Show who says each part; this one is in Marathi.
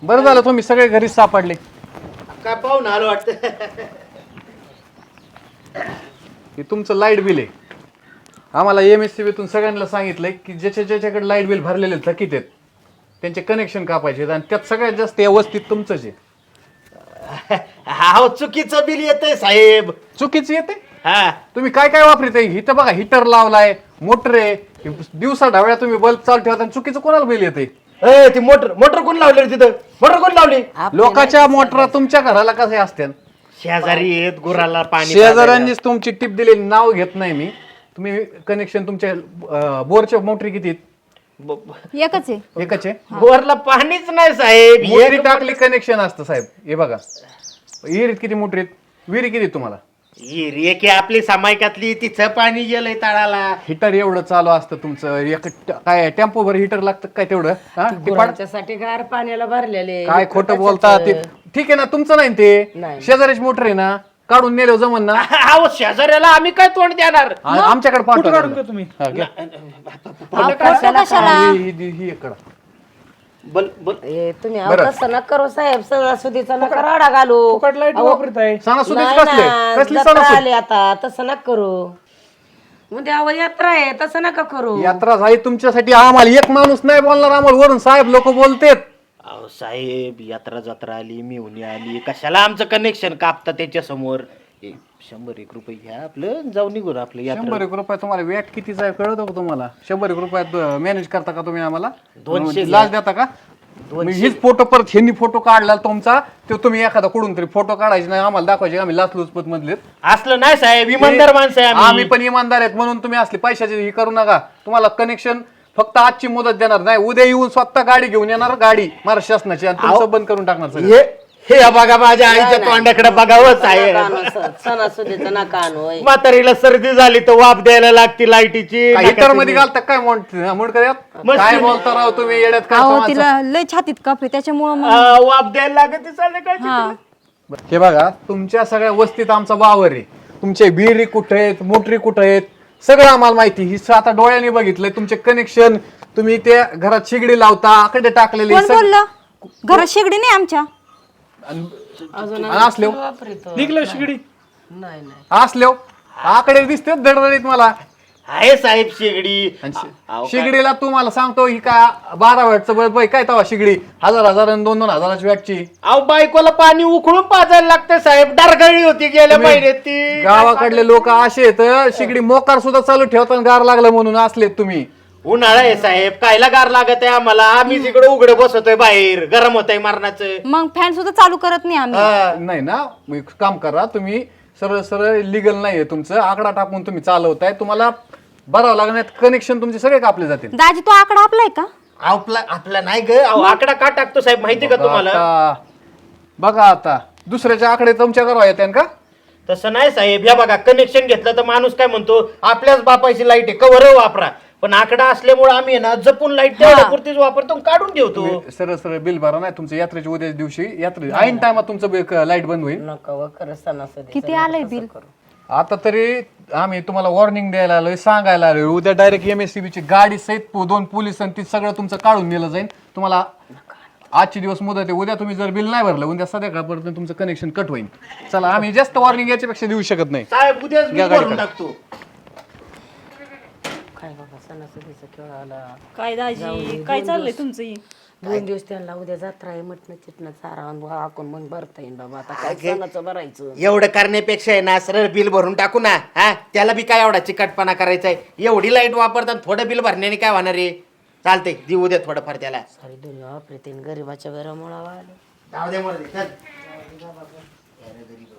Speaker 1: बरं झालं तुम्ही सगळे घरीच सापडले.
Speaker 2: काय पाहून आलो वाटतं.
Speaker 1: हे तुमचं लाईट बिल आहे. आम्हाला MSCBतून सगळ्यांना सांगितलंय की ज्याच्याकडे लाईट बिल भरलेले थकीत आहेत त्यांचे कनेक्शन कापायचे आणि त्यात सगळ्यात जास्त व्यवस्थित तुमचंच आहे.
Speaker 2: हा चुकीचं बिल येतंय साहेब.
Speaker 1: चुकीचं येते.
Speaker 2: हा
Speaker 1: तुम्ही काय काय वापरत आहे इथं बघा, हिटर लावलाय, मोटर आहे, दिवसा ढावळ्या तुम्ही बल्ब चालू ठेवता आणि चुकीचं कोणाला बिल येते?
Speaker 2: ती मोटर कोण लावली रे तिथं? मोटर कोण लावली?
Speaker 1: लोकांच्या मोटरा तुमच्या घराला कसे असते?
Speaker 2: शेजारी येत गुराला पाणी.
Speaker 1: शेजाऱ्यांनीच तुमची टिप दिलेली, नाव घेत नाही मी. तुम्ही कनेक्शन तुमच्या बोरच्या मोटरी किती आहेत?
Speaker 3: एकच आहे.
Speaker 1: एकच आहे.
Speaker 2: बोरला पाणीच नाही साहेब.
Speaker 1: मोटरी टाकली कनेक्शन असतं साहेब. हे बघा विहिरीत किती मोटरी आहेत, विहिरी किती आहेत तुम्हाला?
Speaker 2: की आपली समायकातली तिचं पाणी गेलंय तळाला.
Speaker 1: हिटर एवढं चालू असतं तुमचं, एक काय टेम्पो भर हिटर लागतं काय तेवढं? हा?
Speaker 4: गुरांच्यासाठी गार पाण्याला भरलेले.
Speaker 1: काय खोटं बोलता ते? ठीक आहे ना, तुमचं नाही ते,
Speaker 4: नाही.
Speaker 1: शेजारीच मोटर आहे ना, काढून नेलो जमन ना.
Speaker 2: अहो शेजाऱ्याला आम्ही काय तोंड देणार?
Speaker 1: आमच्याकडे पाठवा
Speaker 5: तुम्ही.
Speaker 1: ही इकडं.
Speaker 2: बल बल
Speaker 4: तुम्ही अहो तसं नका करू साहेब. सणासुदीचा नका राडा घालू.
Speaker 5: फुकट लाईट वापरताय.
Speaker 1: सणासुदीच
Speaker 4: नाही
Speaker 1: कसले
Speaker 4: ना,
Speaker 1: कसली
Speaker 4: जत्रा
Speaker 1: सणासुदी?
Speaker 4: आली आता. तसं नका करू. उद्या अहो यात्रा आहे. तसं नका करू.
Speaker 1: यात्रा झाली तुमच्यासाठी. आम्हाला एक माणूस नाही बोलणार, आम्हाला वरून साहेब लोक बोलतेत.
Speaker 2: अहो साहेब यात्रा जत्रा आली मिळवणी आली कशाला आमचं कनेक्शन कापता त्याच्या समोर? 100-1 रुपये घ्या आपलं जाऊन निघू आपलं यात्रा.
Speaker 1: 100 रुपये तुम्हाला वेट कितीचा आहे कळतो का तुम्हाला? 100 रुपयात मॅनेज करता का तुम्ही? आम्हाला
Speaker 2: 200
Speaker 1: लाच देता का? हीच फोटो परत ह्यांनी फोटो काढला तुमचा, तो तुम्ही एखादा कुठून तरी फोटो काढायचे नाही, आम्हाला दाखवायचे आम्ही लाचलुचपत मधले.
Speaker 2: असलं नाही साहेब, इमानदार माणसं आहे
Speaker 1: आम्ही पण इमानदार आहेत म्हणून तुम्ही असले पैशाची ही करू नका. तुम्हाला कनेक्शन फक्त आजची मुदत देणार नाही, उद्या येऊन स्वतः गाडी घेऊन येणार, गाडी महाराष्ट्र शासनाची, आणि तुमचं बंद करून टाकणार सगळं.
Speaker 2: हे बघा माझ्या आईच्या तोंडाकडे बघावं साहेब.
Speaker 4: सणासुदीचं नका आणू.
Speaker 2: म्हातारीला सर्दी झाली तर वाफ द्यायला लागते लाईटीची.
Speaker 1: हिटर मध्ये घालता काय काय बोलता राव तुम्ही येड्यात?
Speaker 3: अहो
Speaker 1: काय
Speaker 3: तिला लय छातीत कपडे त्याच्यामुळं मग
Speaker 2: वाफ द्यायला लागते संध्याकाळची.
Speaker 3: हा.
Speaker 1: हे बघा तुमच्या सगळ्या वस्तीत आमचा वावर आहे, तुमचे विहिरी कुठे आहेत, मोटरी कुठे आहेत, सगळं आम्हाला माहिती. ही आता डोळ्यांनी बघितलंय. तुमचे कनेक्शन तुम्ही त्या घरात शिगडी लावता, आकडे टाकलेले
Speaker 3: कोण बोललं? घरात शेगडी नाही आमच्या.
Speaker 1: असले
Speaker 5: निघलं शिगडी.
Speaker 4: नाही नाही
Speaker 1: असले आकडे दिसते दडदडीत मला.
Speaker 2: आहे साहेब शेगडी.
Speaker 1: शिगडीला तुम्हाला सांगतो ही काय 12 वॅटचं बल्ब आहे काय? तवा शिगडी 1000 आणि 2,000 वॅटची.
Speaker 2: अहो बायकोला पाणी उकळून पाजायला लागतं साहेब. डरगळी होती गेल्या महिन्यात ती.
Speaker 1: गावाकडले लोक असे आहेत, शिगडी मोकार सुद्धा चालू ठेवताना गार लागलं म्हणून असलेत तुम्ही.
Speaker 2: उन्हाळा आहे साहेब, कायला गार लागत आहे आम्हाला? आम्ही तिकडे उघडे बसतोय बाहेर, गरम होत आहे मरणाचं.
Speaker 3: मग फॅन सुद्धा चालू करत नाही आम्ही.
Speaker 1: नाही ना, एक काम करा तुम्ही, सरळ सरळ लिगल नाहीये तुमचं, आकडा टाकून तुम्ही चालवताय, तुम्हाला भरावं लागणार. कनेक्शन तुमचे सगळे कापले जातील.
Speaker 3: दाजी तो आकडा आपलाय का?
Speaker 2: आपला नाही ग. आकडा का टाकतो साहेब माहिती का तुम्हाला?
Speaker 1: बघा आता दुसऱ्याचे आकडे तुमच्या घरावर येते का?
Speaker 2: तसं नाही साहेब. या बघा कनेक्शन घेतलं तर माणूस काय म्हणतो, आपल्याच बापाची लाईट आहे कवर वापरा. पण आकडा असल्यामुळे आम्ही ना जपून लाईट तेवढ्या पुरतीच वापरतो, काढून ठेवतो.
Speaker 1: सरळ सरळ बिल भरा, नाही तुमचं यात्रेच्या उद्या दिवशी यात्रे ऐन टायमात तुमचं लाईट बंद होईल.
Speaker 4: नका व खरं सणासुदी.
Speaker 3: किती आलंय बिल?
Speaker 1: आता तरी आम्ही तुम्हाला वॉर्निंग द्यायला आलोय, सांगायला आलोय. उद्या डायरेक्ट MSCBची गाडी सहित 2 पोलीस आणि ती सगळं तुमचं काढून नेलं जाईल. तुम्हाला आजची दिवस मुदत आहे, उद्या तुम्ही जर बिल नाही भरलं उद्या संध्याकाळपर्यंत तुमचं कनेक्शन कट होईल. चला, आम्ही जास्त वॉर्निंग याच्यापेक्षा देऊ शकत नाही.
Speaker 2: साहेब उद्याच बिल भरून टाकतो.
Speaker 4: काय बाबा सणासुदीचा खेळ आला.
Speaker 3: काय दाजी काय चाललंय तुमचं?
Speaker 4: 2 दिवस त्यांना उद्या जत्रा आहे. मटण चिटणं चारा हाकून मग भरता येईल बाबा. आता काय सणाचं भरायचं?
Speaker 2: एवढं करण्यापेक्षा आहे ना सरळ बिल भरून टाकू ना. हा त्याला बी काय एवढा चिकटपणा करायचा आहे? एवढी लाईट वापरतात, थोडं बिल भरण्याने काय होणार आहे? चालतंय, देऊ द्या थोडंफार त्याला.
Speaker 4: सारी दुनिया वापरते गरीबाच्या घरामुळं आलं.
Speaker 2: जाऊ दे मरू दे, चल.